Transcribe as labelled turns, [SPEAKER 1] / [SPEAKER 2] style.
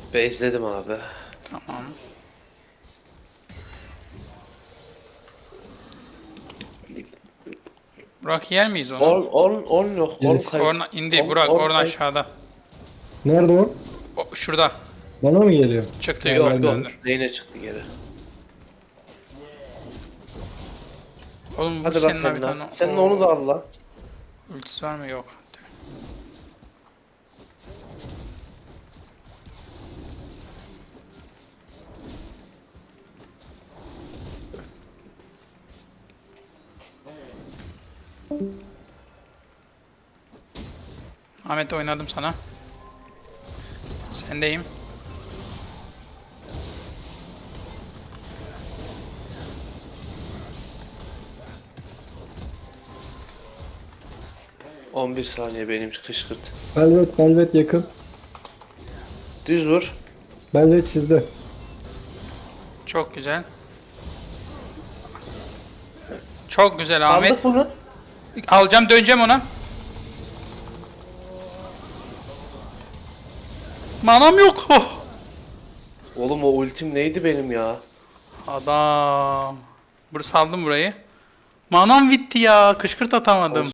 [SPEAKER 1] Bezledim abi.
[SPEAKER 2] Tamam. Burak yer miyiz onu?
[SPEAKER 1] 10 yok. 10
[SPEAKER 3] Yes.
[SPEAKER 1] kayıp.
[SPEAKER 2] Orna indi
[SPEAKER 1] 10
[SPEAKER 2] Burak,
[SPEAKER 1] 10
[SPEAKER 2] orna
[SPEAKER 1] kayıp.
[SPEAKER 2] aşağıda.
[SPEAKER 3] Nerede o?
[SPEAKER 2] O, şurada.
[SPEAKER 3] Bana mı geliyor?
[SPEAKER 2] Çıktı
[SPEAKER 3] Tamam,
[SPEAKER 2] yukarı
[SPEAKER 1] Yok
[SPEAKER 3] ben de
[SPEAKER 1] yok.
[SPEAKER 2] döndü.
[SPEAKER 1] Zeyne çıktı geri.
[SPEAKER 2] Oğlum bu
[SPEAKER 1] Hadi bak
[SPEAKER 2] senin abi
[SPEAKER 1] senin
[SPEAKER 2] tane.
[SPEAKER 1] Senin onu da al lan.
[SPEAKER 2] Ultisi var mı? Yok. Ahmet oynadım sana. Sendeyim.
[SPEAKER 1] Hı. 11 saniye benim kışkırt.
[SPEAKER 3] Velvet yakın.
[SPEAKER 1] Düz vur.
[SPEAKER 3] Velvet sizde.
[SPEAKER 2] Çok güzel. Çok güzel Ahmet.
[SPEAKER 1] Aldık bunu.
[SPEAKER 2] Alacağım, döneceğim ona. Manam yok. Oh.
[SPEAKER 1] Oğlum o ultim neydi benim ya?
[SPEAKER 2] Adam. Saldım burayı. Manam bitti ya. Kışkırt atamadım.